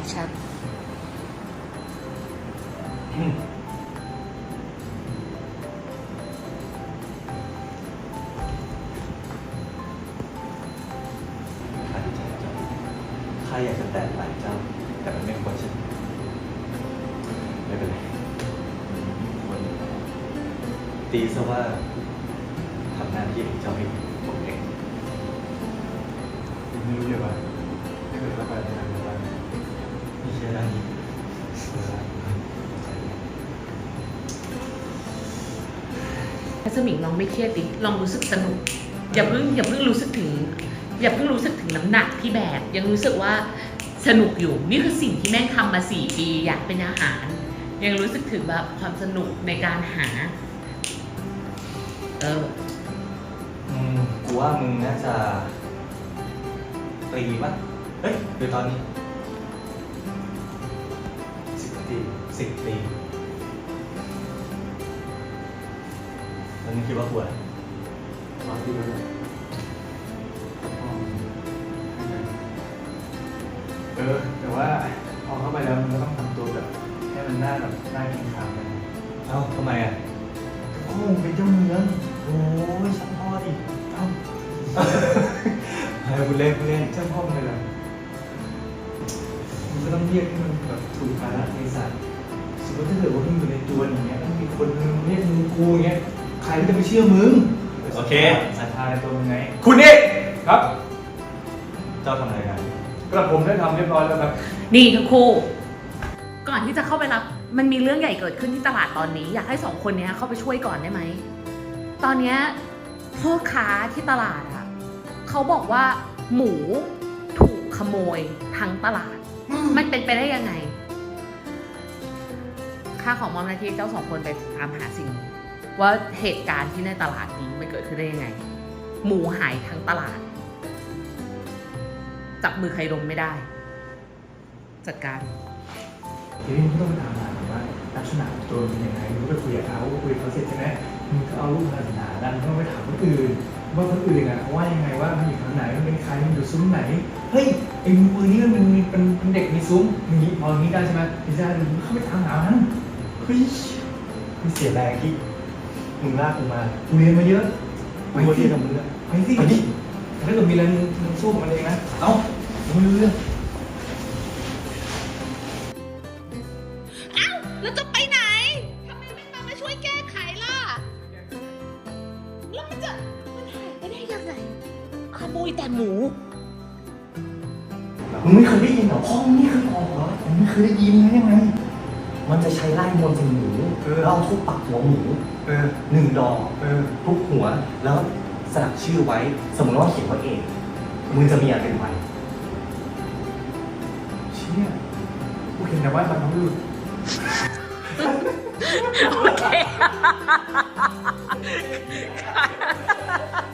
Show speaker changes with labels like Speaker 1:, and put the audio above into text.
Speaker 1: ชั่น
Speaker 2: ข้าอยากจะแตะไหล่เจ้าแต่มันไม่ควรใช่ไหมไม่เป็นไรควรตีซะว่าทำหน้าที่ของเจ้าให้ดีผมเองไม่รู้เลยว่าถ้าเกิดว่าไปทำงานอะไรไม่ใช่ด้านนี้
Speaker 1: ถ้าสมิงลองไม่เครียดดิลองรู้สึกสนุกอย่าเพิ่งรู้สึกถึงน้ำหนักที่แบกยังรู้สึกว่าสนุกอยู่นี่คือสิ่งที่แม่งทำมา4 ปีอยากเป็นอาหารยังรู้สึกถึงแบบความสนุกในการหา
Speaker 2: กูว่ามึงน่าจะตีป่ะเฮ้ยเดี๋ยวตอนนี้10 ปีแล้วมึงคิดว่าควรตีแล้วเนี่ย
Speaker 3: แต่ว่าพอเข้าไปแล้วมันก็ต้องทำตัวแบบให้มันน่ากินข้าวเลย
Speaker 2: เอ้าทำไมอ่ะ
Speaker 3: โอ้เป็นเจ้าเมืองโอ้ยช่างพ่อดิเอ้า
Speaker 2: ให้กูเล่น
Speaker 3: เจ้าพ่อเป็นอะไรมันก็ต้องเรียกให้มันแบบถูกกาลเทศะสมมติถ้าเกิดว่ามึงอยู่ในตัวอย่างเงี้ยต้องมีคนนึงเรียกมึงกูอย่างเงี้ยใครก็จะไปเชื่อมึง
Speaker 2: โอเค
Speaker 3: ศรัทธาในตัวมึงไง
Speaker 2: คุณนี่
Speaker 3: ครับ
Speaker 2: เจ้าทำอะไรกัน
Speaker 3: กระผมได้ทำเรียบร้อยแล้วครับ
Speaker 1: นี่ทั้งคู่ก่อนที่จะเข้าไปรับมันมีเรื่องใหญ่เกิดขึ้นที่ตลาดตอนนี้อยากให้2 คนนี้เข้าไปช่วยก่อนได้ไหมตอนนี้พ่อค้าที่ตลาดอะเขาบอกว่าหมูถูกขโมยทั้งตลาดมันเป็นไปได้ยังไงข้าของมอมหน้าที่เจ้า2 คนไปตามหาสิ่งนี้ว่าเหตุการณ์ที่ในตลาดนี้มันเกิดขึ้นได้ยังไงหมูหายทั้งตลาดจับมือใครลงไม่ได้จัดการ
Speaker 3: ทีนี้มึงก็ต้องไปถามหาว่าลักษณะตัวเป็นยังไงมึงก็ไปคุยกับเขาคุยกับเขาเสร็จใช่ไหมมึงก็เอารูปศาสนาดันก็ไปถามคนอื่นว่าคนอื่นอ่ะเขาว่ายังไงว่ามันอยู่ทางไหนมันเป็นใครมันอยู่ซุ้มไหนเฮ้ยไอ้มือนี้มันเป็นเด็กมีซุ้มอย่างนี้พออย่างนี้ได้ใช่ไหมไม่ได้มึงเข้าไปถามหามันเฮ้ย
Speaker 2: มึงเสียแรงที่มึงลากกูมา
Speaker 3: กูเรียนมาเยอะ
Speaker 2: กูว่าที่ทำมึงอะ
Speaker 3: ไปสิถ้าเกิดมีอะไรมึงสู้กับมันเองนะเอ้ามึงไม่รู้เรื่อง
Speaker 1: แล้วจะไปไหน ทำไมไม่มาช่วยแก้ไขล่ะ แล้วมันหายไปได้ยังไง ขโมยแต่หมู
Speaker 2: มึงไม่เคยได้ยินเหรอพ่อมึงไม่เคยบอกเหรอมึงไม่เคยได้ยินนะยังไง มันจะใช้ไล่มนต์ใส่หมูแล้วเอาทุบปักหัวหมู1 ดอกทุบหัวแล้วสลักชื่อไว้ สมมติว่าเขียนว่าเอกมึงจะมีอะไรเป็นไว้
Speaker 3: เชี่ยกูเห็นแต่ว่าบรรพบุรุษ
Speaker 1: โอเค